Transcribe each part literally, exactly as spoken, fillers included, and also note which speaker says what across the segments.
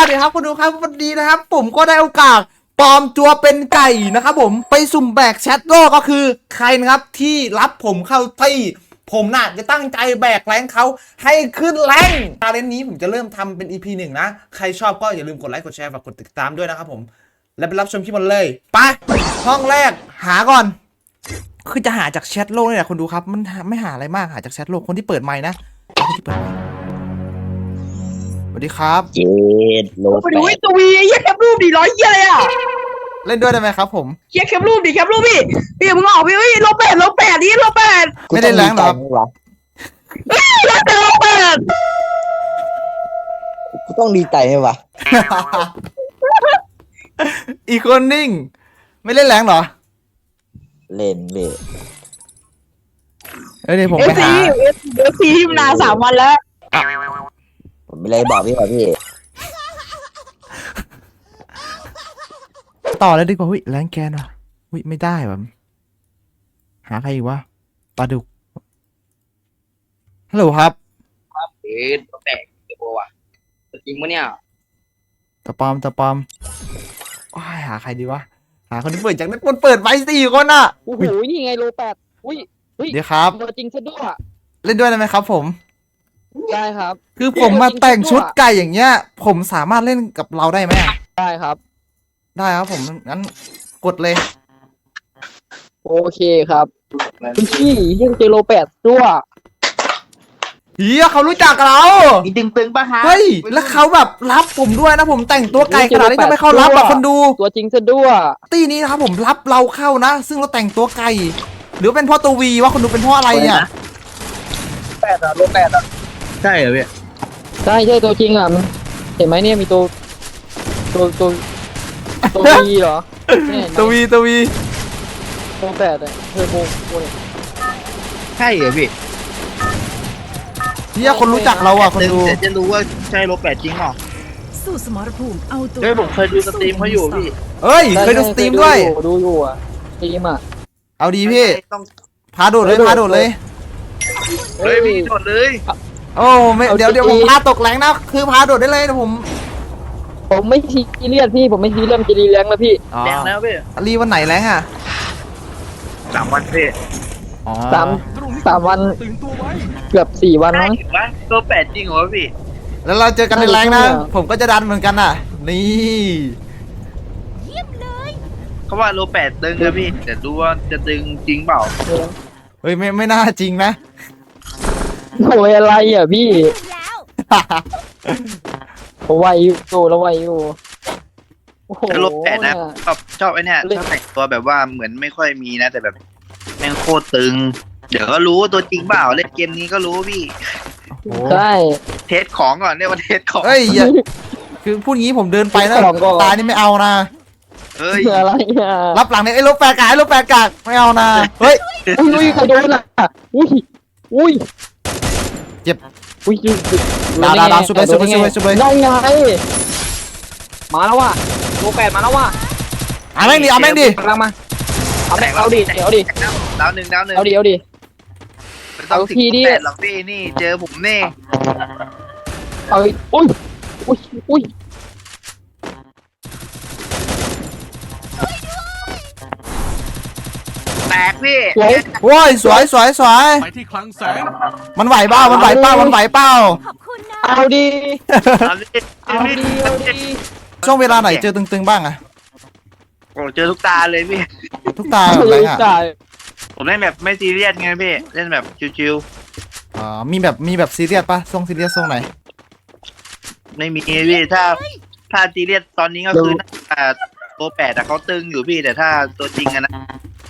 Speaker 1: ดีครับคุณดูครับวันนี้นะครับผมก็ได้โอกาสปลอมตัวเป็นไก่นะครับผมไปสุ่มแบกแชทโลกก็คือใครนะครับที่รับผมเข้าที่ผมน่ะจะตั้งใจแบกแรงเขาให้ขึ้นแรงชาเลนจ์นี้ผมจะเริ่มทำเป็น อี พี หนึ่งนะใครชอบก็อย่าลืมกดไลค์กดแชร์ฝากกดติดตามด้วยนะครับผมและไปรับชมคลิปมันเลยไปห้องแรกหาก่อนคือจะหาจากแชทโลกนี่แหละคุณดูครับมันไม่หาอะไรมากหาจากแชทโลกคนที่เปิดไมค์นะคนที่เปิดไมค์สวัสดีครับ
Speaker 2: เจ็ดโลแปด
Speaker 3: ดูตัววีเยี่ยแคปรูปดิร้อยเยี่ยเลยอ่ะ
Speaker 1: เล่นด้วยได้ไหมครับผม
Speaker 3: เยี่ยแคปรูปดิแคปรูปพี่พี่มึงออกพี่เฮ้ยโลแปดโลแปดนี่โลแปด
Speaker 1: ไม่ได้แรงหรอ
Speaker 3: เฮ้ยโลแปดโลแปด
Speaker 2: กูต้องดีใจไหมวะ
Speaker 1: อีกคนนิ่งไม่เล่นแรงหรอ
Speaker 2: เล่นเล่น
Speaker 1: เอ้ยเดี๋ยวผม
Speaker 3: เอ
Speaker 1: ไป
Speaker 3: ฟซี
Speaker 1: หา
Speaker 3: เอฟซีที่มานานสามวันแล้ว
Speaker 2: ผมไม่เลยบอกพี่ว่าพี่
Speaker 1: ต่อเลยดีกว่าเฮ้ยแรงแกนว่ะเฮ้ยไม่ได้ว่ะหาใครอีกวะปลาดุกฮัลโหลครับ
Speaker 4: เอ๊ะตัวแตกตัวว่ะจริงปะเนี่ย
Speaker 1: ตะปอมตะปอมว้ายหาใครดีวะหาคนที่เปิดจากนั้นคนเปิดไว้สี่คนอ่ะ
Speaker 4: โอ้โหนี่ไงโลแปดอุ้ย
Speaker 1: เดี๋ยวครับ
Speaker 4: ตัวจริงซะด้วย
Speaker 1: เล่นด้วยได้ไหมครับผม
Speaker 4: ได้ครับ
Speaker 1: คือผมมาแต่งชุดไก่อย่างเงี้ยผมสามารถเล่นกับเราได้ไหม
Speaker 4: ได้ครับ
Speaker 1: ได้ครับผมงั้นกดเลย
Speaker 4: โอเคครับคุณพี่เรื่องเจโลแปดด้วย
Speaker 1: เฮียเขารู้จักเรา
Speaker 2: อีตึงตึงปะฮะ
Speaker 1: เฮ้ยแล้วเขาแบบรับผมด้วยนะผมแต่งตัวไก่ขนาดนี้ทำไมเขารับอะคนดู
Speaker 4: ตัวจริงซะด้วย
Speaker 1: ตีนี้นะครับผมรับเราเข้านะซึ่งเราแต่งตัวไก่หรือเป็นพ่อตัววีว่าคนดูเป็นพ่ออะไรเนี่ย
Speaker 4: แปดอะโลแปดอะ
Speaker 2: ใช่เหรอพี่
Speaker 4: ใช่ใช่ตัวจริงอะเห็นไหมเนี่ยมีตัวตัวตัวตัววีเหรอ
Speaker 1: ตัววีตัววี
Speaker 4: โลแปดอะเทอร์โบเนี่ย
Speaker 2: ใช่เหรอพี่
Speaker 1: เนี่ยคนรู้จักเราอ่ะคนดู
Speaker 2: จะรู้ว่าใช่โลแปดจริงหรอ
Speaker 5: สู้สมรภูมิเอาตัว
Speaker 2: เฮ้ยผมเคยดูสตรีมเขาอยู่พี่
Speaker 1: เอ้ยเคยดูสตรีมด้วย
Speaker 4: ดูอยู่อ่ะสตรีมอ่ะ
Speaker 1: เอาดีพี่พาโดดเลยพาโดดเลย
Speaker 2: เฮ้ยพี่โดดเลย
Speaker 1: โอ้ไม่เดี๋ยวเดี๋ยวผมพาตกแรงนะคือพาโดดได้เลยนะผม
Speaker 4: ผมไม่ซีเรียสพี่ผมไม่ซีเรียสจะรีแรงแล้วพี่
Speaker 2: แรงแล้วพี่
Speaker 1: รีวันไหนแรงอ่ะ
Speaker 2: สามวันพี่
Speaker 4: สามสามวันเกือบสี่วันมั้ง
Speaker 2: โลแปดจริงเหรอพี่
Speaker 1: แล้วเราเจอกันในแรงนะผมก็จะดันเหมือนกันน่ะนี่
Speaker 5: เยี่ยมเลย
Speaker 2: เขาว่าโลแปดตึงนะพี่แต่ดูว่าจะตึงจริงเปล่า
Speaker 1: เฮ้ยไม่ไม่น่าจริงนะ
Speaker 4: โอ้ยอะไรอ่ะพี่เขาไวอยู่แล้วไวอยู่
Speaker 2: โอ้โหโลแปดนะชอบชอบไอ้นี่ชอบแต่งตัวแบบว่าเหมือนไม่ค่อยมีนะแต่แบบแม่งโคตรตึงเดี๋ยวก็รู้ตัวจริงเปล่าเล่นเกมนี้ก็รู้พี่
Speaker 4: ใช่
Speaker 2: เทสของก่อนเรียกว่าเทสของ
Speaker 1: เฮ้ยคือพูดงี้ผมเดินไปนะตานี่ไม่เอานะ
Speaker 2: เฮ้ย
Speaker 4: อะไรอ่ะ
Speaker 1: รับหลังเนี่ยไอ้ลูกแปดกากลูกแปดกากไม่เอานะเฮ้ย
Speaker 4: อุ้ยใครโดนอ่ะอุ้ยอุ้ย
Speaker 1: เจ็บ
Speaker 4: อุ้ย
Speaker 1: ดาวดาวดาวสุดเลยสุดเลยสุดเลยสุดเลย
Speaker 4: ได้ไงมาแล้วว่ะโลแปดมาแล้วว่ะ
Speaker 1: เอาแม่งดิเอาแม่งดิ
Speaker 4: กำลังมาเอาแม่งเอาดิเอาดิ
Speaker 2: ดาวหนึ่งดาวหนึ่ง
Speaker 4: เอาดิเอาดิ
Speaker 2: เอาทีดิหลังพี่นี่เจอผมนี่
Speaker 4: เอาอุ้ยอุ้ยอุ้ย
Speaker 2: แตกพี่
Speaker 1: โอ้ยสวยสวยสวย
Speaker 6: ไปที่คลังแสง
Speaker 1: มันไหวเปล่ามันไหวเปล่ามันไหวเปล่า
Speaker 4: เอาดิ
Speaker 2: เอาดิเอาดิเอาดิ
Speaker 1: ช่วงเวลาไหนเจอตึงๆบ้างอะ
Speaker 2: โอ้เจอทุกตาเลยพี่
Speaker 1: ทุกตาอะไรอ่ะ
Speaker 2: ผมเล่นแบบไม่ซีเรียสไงพี่เล่นแบบชิว
Speaker 1: ๆอ๋อมีแบบมีแบบซีเรียสปะทรงซีเรียสทรงไหน
Speaker 2: ไม่มีพี่ถ้าถ้าซีเรียสตอนนี้ก็คือตัวแปดแต่เขาตึงอยู่พี่แต่ถ้าตัวจริงอะนะ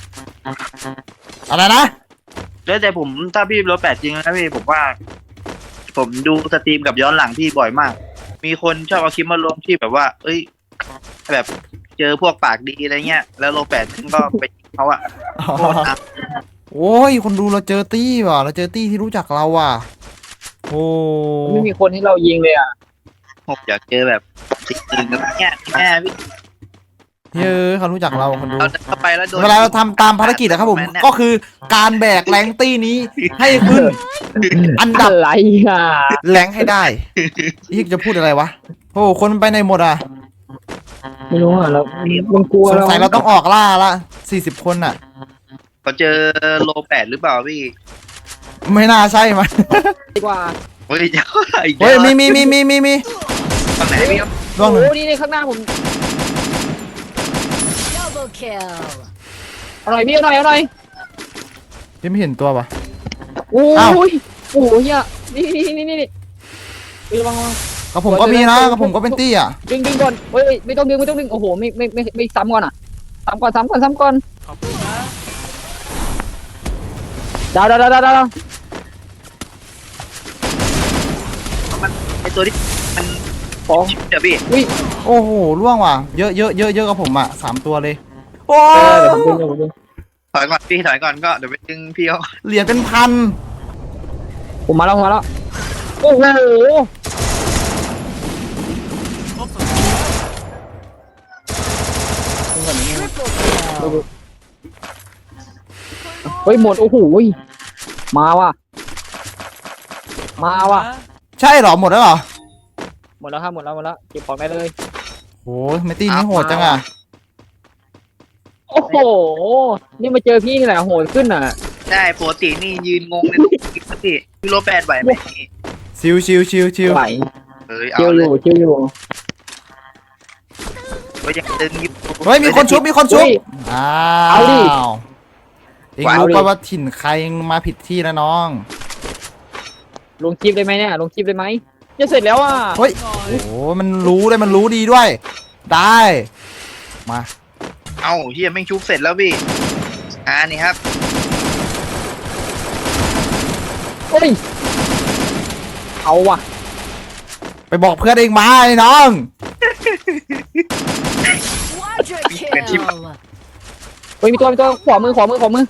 Speaker 1: อะไรนะ
Speaker 2: แล้วแต่ผมถ้าพี่ตัวแปดจริงนะพี่ผมว่าผมดูสตรีมกับย้อนหลังพี่บ่อยมากมีคนชอบเอาคลิปมาลงที่แบบว่าเอ้ยแบบเจอพวกปากดีอะไรเงี้ยแล้วโลแปดก็ไปเขาอะ
Speaker 1: โอ้ยคนดูเราเจอตี้ว่ะเราเจอตี้ที่รู้จักเราว่ะโอ้
Speaker 4: ไม่มีคนให้เรายิงเลยอ่ะ
Speaker 2: ผมอยากเจอแบบจริงๆแบบเนี้ยแม่พี่
Speaker 1: เยอะเขารู้จักเราคนดู
Speaker 2: เว
Speaker 1: ลาเราทำตามภารกิจนะครับผมก็คือการแบกแรงตี้นี้ให้ขึ้นอันดับ
Speaker 4: อะไรอ่ะ
Speaker 1: แรงให้ได้ยี่จะพูดอะไรวะผอ้คนมันไปไหนหมดอ่ะ
Speaker 4: ไม่รู้อ่ะเรามันกลัว
Speaker 1: สง
Speaker 4: เรา
Speaker 1: สัยเราต้องออกล่าละสี่สิบคนอ่ะ
Speaker 2: เขาเจอโลแปดหรือเปล่าพี่
Speaker 1: ไม่น่าใช่มั้ย
Speaker 4: ดีกว่า
Speaker 2: เฮ้ยเจ้าอีก
Speaker 1: เฮ้ยมีมีมีมีมีมี
Speaker 2: ตอนไหนพี่ครับ
Speaker 1: ร่วงหนึ่ง
Speaker 4: โอ้นี่นี่ข้างหน้าผม
Speaker 5: Double kill
Speaker 4: อร่อยพี่อร่อยอร่อย
Speaker 1: ยังไม่เห็นตัวปะ
Speaker 4: โอ้
Speaker 1: อ้าว
Speaker 4: ยโอ้ยเนี่ยนี่นี่นี่นี่นี่เฮ้ยระวังระวัง
Speaker 1: กับผมก็มีนะกับผมก็เป็นตี้อ่ะ
Speaker 4: ดึงดึงก่อนเฮ้ยไม่ต้องดึงไม่ต้องดึงโอ้โหไม่ไม่ไม่ไม่ซ้ำก่อนอ่ะซ้ำก่อนซ้ำก่อนซ้ำก่อนดาวดาวดาวดาวดาว
Speaker 2: มันไอตัวที่มัน
Speaker 4: สอง
Speaker 2: เดี๋ยวพี่
Speaker 4: อุ้ย
Speaker 1: โอ้โหร่วงว่ะเยอะเยอะเยอะเยอะกับผมอ่ะสามตัวเลยโอ้
Speaker 4: เออเดี๋ยวผมดึงเดี๋ยวผมดึง
Speaker 2: ถอยก่อนพี่ถอยก่อนก็เดี๋ยวไปดึงพี่เขา
Speaker 1: เหรียญเป็นพัน
Speaker 4: ผมมาแล้วผมมาแล้วโอ้โห
Speaker 5: Triple kill
Speaker 4: เฮ้ยหมดโอ้โหมาว่ะมาว่ะ
Speaker 1: ใช่เหรอหมดแล้วเหรอ
Speaker 4: หมดแล้วครับหมดแล้วหมดแล้วเก็บของได้เลย
Speaker 1: โอ้ยไม่ตีนี่โหดจังอ่ะ
Speaker 4: โอ้โหนี่มาเจอพี่นี่แหละโหดขึ้นอ่ะ
Speaker 2: ได้ปกตินี่ยืนงงในตู้กินพี่พี่โลแปดไหวไหม
Speaker 1: ชิวชิวชิวชิว
Speaker 4: ไหว
Speaker 2: เฮ้ย
Speaker 4: เจี
Speaker 2: เอา
Speaker 4: ยวอ
Speaker 2: เลย
Speaker 4: ยู่เจียวอยู่
Speaker 2: ก็ยังดึงอยู่
Speaker 1: เฮ้ยมีคนชุบมีคนชุบ
Speaker 4: อุ้ย
Speaker 1: อ้า
Speaker 4: เอาดิ
Speaker 1: วเองรู้ป่ะว่าถิ่นใครมาผิดที่แล้วน้อง
Speaker 4: ลงคลิปได้ไหมเนี่ยลงคลิปได้ไหมจะเสร็จแล้วอ่ะ
Speaker 1: เฮ้ยโอ้โหมันรู้เลยมันรู้ดีด้วย ได้มา
Speaker 2: เอ้าเฮียไม่งชุบเสร็จแล้วพี่อ่านี่ครับ
Speaker 4: เฮ้ยเอาว่ะ
Speaker 1: ไปบอกเพื่อนเองมาไอ้น้อง
Speaker 5: Quadra kill
Speaker 4: เฮ้ยมีตัวมีตัวขวามือขวามือขวามือ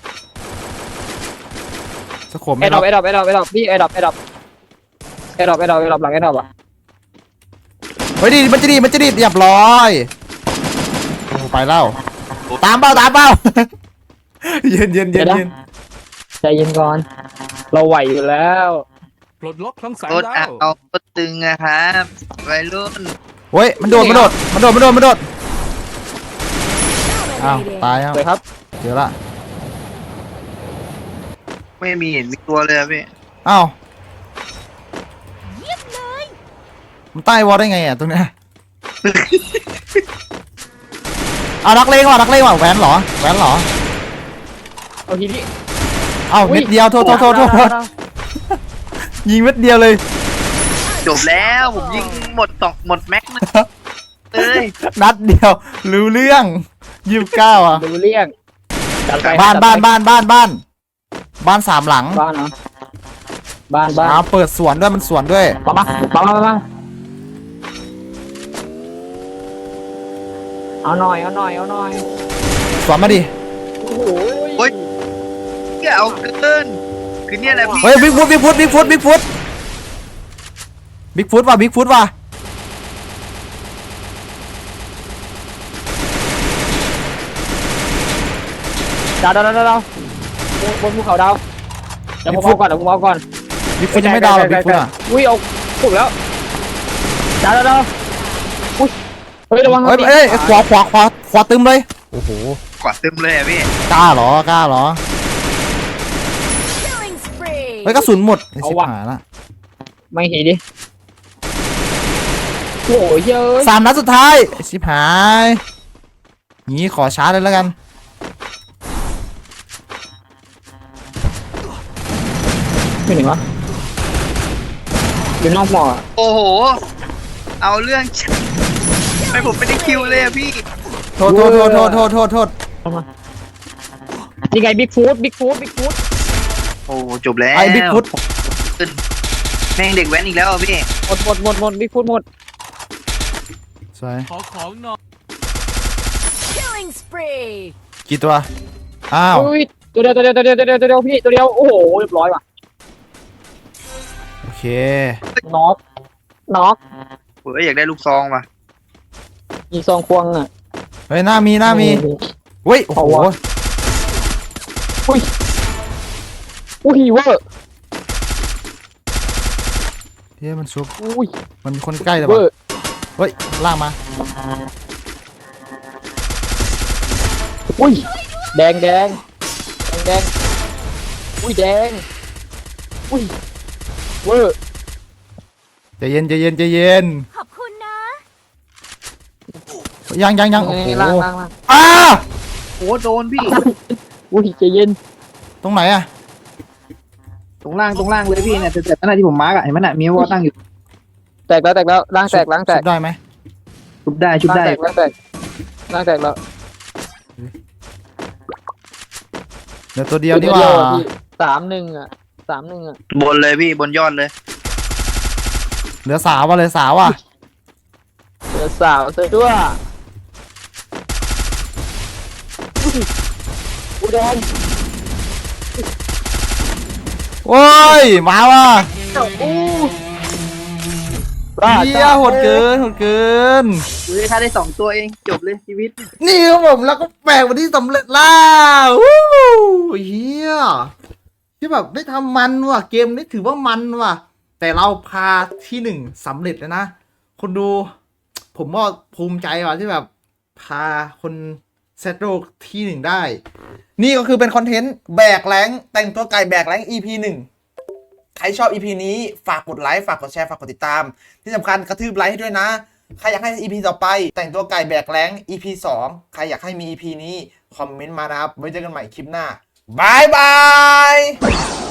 Speaker 1: สะขม
Speaker 4: แอ
Speaker 1: ไม่
Speaker 4: ดด
Speaker 1: รั
Speaker 4: อบ ปแอดดอปแอดดอปแอดดอปพี่แอดดอปแอดดอปแอดดอปแอดดอปแอดดอปหลังแอดดอปอ่ะ
Speaker 1: เฮ้ยดีมันจะดีมันจะดีเรียบร้อยโอ้ไปแล้วตามเป้าตามเป้า เย็นเย็นเย็นเย็น
Speaker 4: ใจเย็นก่อน เราไหวอยู่แล้ว
Speaker 6: ปลดล็อกคลังแสง
Speaker 2: รถ
Speaker 6: ดา
Speaker 2: อ่ะ
Speaker 6: ว
Speaker 2: เอารถตึงนะครับวัยรุ่น
Speaker 1: เฮ้ยมันโดดมันโดดมันโดดมันโดดมันโดดอ้าว
Speaker 5: Dominating
Speaker 1: ตายแล้ว
Speaker 4: สวยครับ
Speaker 1: เจอละ
Speaker 2: ไม่มีเห็นมีตัวเลยอะพี่
Speaker 1: อ้าว
Speaker 5: เยี่ยมเลย
Speaker 1: มันใต้วอลได้ไงอ่ะตรงเนี้ย เอานักเลงว่ะนักเลงว่ะแหวนเหรอแหวนเหรอ
Speaker 4: เอาทีนี้
Speaker 1: เอ้าเม็ดเดียวโทษโทษโทษโทษโทษยิงเม็ดเดียวเลย
Speaker 2: จบแล้วผมยิงหมดสองหมดแม็กซ์เลย
Speaker 1: นัดเดียวรู้เรื่องยี่สิบเก้าอ่ะ
Speaker 4: ดูเลี่ยงจัดไป
Speaker 1: บ้าน
Speaker 4: จัด
Speaker 1: บ้าน
Speaker 4: ไป
Speaker 1: บ้านบ้านบ้านบ้านสามหลัง
Speaker 4: บ้านเนาะบ้านบ้าน
Speaker 1: อ้าวเปิดสวนด้วยมันสวนด้วย
Speaker 4: มามามามามาเอาหน่อยเอาหน่อยเอาหน่อย
Speaker 1: สวนมาดิ
Speaker 4: โอ้โห
Speaker 2: โอ้ยเหี้ยเอาเกินคือเนี่ยแหละพี่
Speaker 1: เฮ้ยบิ๊กฟุตบิ๊กฟุตบิ๊กฟุตบิ๊กฟุตบิ๊กฟุตว่ะบิ๊กฟุตว่ะ
Speaker 4: ดาวดาวดาวดาวบนภูเขาดาวเดี๋ยวผมเอาก่อนเดี๋ยวผมเอาก่อน
Speaker 1: บิ๊กฟุตยังไม่ดาวหรอกบิ๊กฟุตอ่ะ
Speaker 4: อุ้ยเอาถูกแล้วดาวดาวดาวอุ้ยเฮ้ยระวัง
Speaker 1: เฮ้ยเอ้ยขวาขวาขวาขวาตึมเลยโอ้โห
Speaker 2: กวาดเต็มเลยอะพี่
Speaker 1: กล้าเหรอกล้าเหรอ
Speaker 5: Killing spree
Speaker 1: เฮ้ยกระสุนหมดไอ้ชิบหายละ
Speaker 4: ไม่เห็นดิโอ้ยเยอะ
Speaker 1: สามนัดสุดท้ายไอ้ชิบหายงี้ขอช้าเลยแล้วกัน
Speaker 4: ไม่ถึงวะอยู่นอกหมอ
Speaker 2: โอ้โห เอาเรื่องไปผมไม่ได้คิวเลยอะพี่
Speaker 1: โทษโทษโทษโทษโทษโทษโทษ
Speaker 4: นี่ไงบิ๊กฟูดบิ๊กฟูดบิ๊กฟูด
Speaker 2: โอ้จบแล้ว
Speaker 1: ไอ้บิ๊กฟุต
Speaker 2: แม่งเด็กแว้นอีกแล้วอะพี่
Speaker 4: หมดหมดหมดหมดบิ๊กฟูดหมด
Speaker 1: สวย
Speaker 6: ขอของหน่อย
Speaker 5: Killing spree
Speaker 1: กี่ตัวอ้าว
Speaker 4: อุ้ยตัวเดียวตัวเดียวตัวเดียวตัวเดียวตัวเดียวพี่ตัวเดียวโอ้โหเรียบร้อยว่ะ
Speaker 1: โอเค
Speaker 4: น็อกน็อก
Speaker 2: เฮ้ยอยากได้ลูกซองว่ะ
Speaker 4: ยิงซองควงอ่ะ
Speaker 1: เฮ้ยหน้ามีหน้ามีเฮ้ยโอ้โห
Speaker 4: เอาวะ อุ้ยอุ้ยเวอร์
Speaker 1: เฮ้ยมันชุบ
Speaker 4: อุ้ย
Speaker 1: มันมีคนใกล้แต่
Speaker 4: เว
Speaker 1: ว่า
Speaker 4: อร์
Speaker 1: เฮ้ยล่างมา
Speaker 4: อุ้ยแดงแดงแดงแดงอุ้ยแดงอุ้ยเวอร์
Speaker 1: ใจเย็นใจเย็นใจเย็น
Speaker 5: ขอบคุณนะ
Speaker 1: ยังยังยังโอ้โห
Speaker 4: นี่ล่างล่างล่าง
Speaker 1: อ้า
Speaker 2: โอ้โดนพี่
Speaker 4: อุ้ยใจเย็น
Speaker 1: ตรงไหนอะ
Speaker 2: ตรงล่างตรงล่างเลยพี่เนี่ยแต่นั่นที่ผมมาร์กอะเห็นไหมน่ะมีวอลตั้งอยู่
Speaker 4: แตกแล้วแตกแล้วล่างแตกล่างแตก
Speaker 1: ชุบได้ไหม
Speaker 2: ชุบได้ชุบ
Speaker 4: ล่าง
Speaker 2: ได้
Speaker 4: แตกล่างแตกล่างแตกแล้ว
Speaker 1: เดี๋ยวตัวเดียวนี่หว่า
Speaker 4: พี่สามหนึ่งอ่ะสามหนึ่งอ่ะ
Speaker 2: บนเลยพี่บนยอดเลย
Speaker 1: เหลือสาวว่ะเลยสาวว่ะ
Speaker 4: เหลือสาวซะด้วยอุ้ยอุ้ยแดง
Speaker 1: โอ้ยมาว่ะ
Speaker 4: บ้า
Speaker 1: เฮียโหดเกินโหดเกิน
Speaker 2: อุ้ยถ้าได้สองตัวเองจบเลยชีวิต
Speaker 1: นี่ครับผมแล้วก็แบกวันที่สำเร็จแล้ววู้เฮียที่แบบได้ทำมันว่ะเกมนี้ถือว่ามันว่ะ แต่เราพาที่หนึ่งสำเร็จแล้วนะคนดู ผมก็ภูมิใจว่ะที่แบบพาคนเซตโลกที่หนึ่งได้ นี่ก็คือเป็นคอนเทนต์แบกแรงแต่งตัวไก่แบกแรง อี พี หนึ่ง ใครชอบ อี พี นี้ฝากกดไลค์ฝากกดแชร์ฝากกดติดตาม ที่สำคัญกระทืบไลค์ให้ด้วยนะ ใครอยากให้ อี พี ต่อไป แต่งตัวไก่แบกแรง อี พี สอง ใครอยากให้มี อี พี นี้คอมเมนต์มานะครับไว้เจอกันใหม่คลิปหน้าบายบาย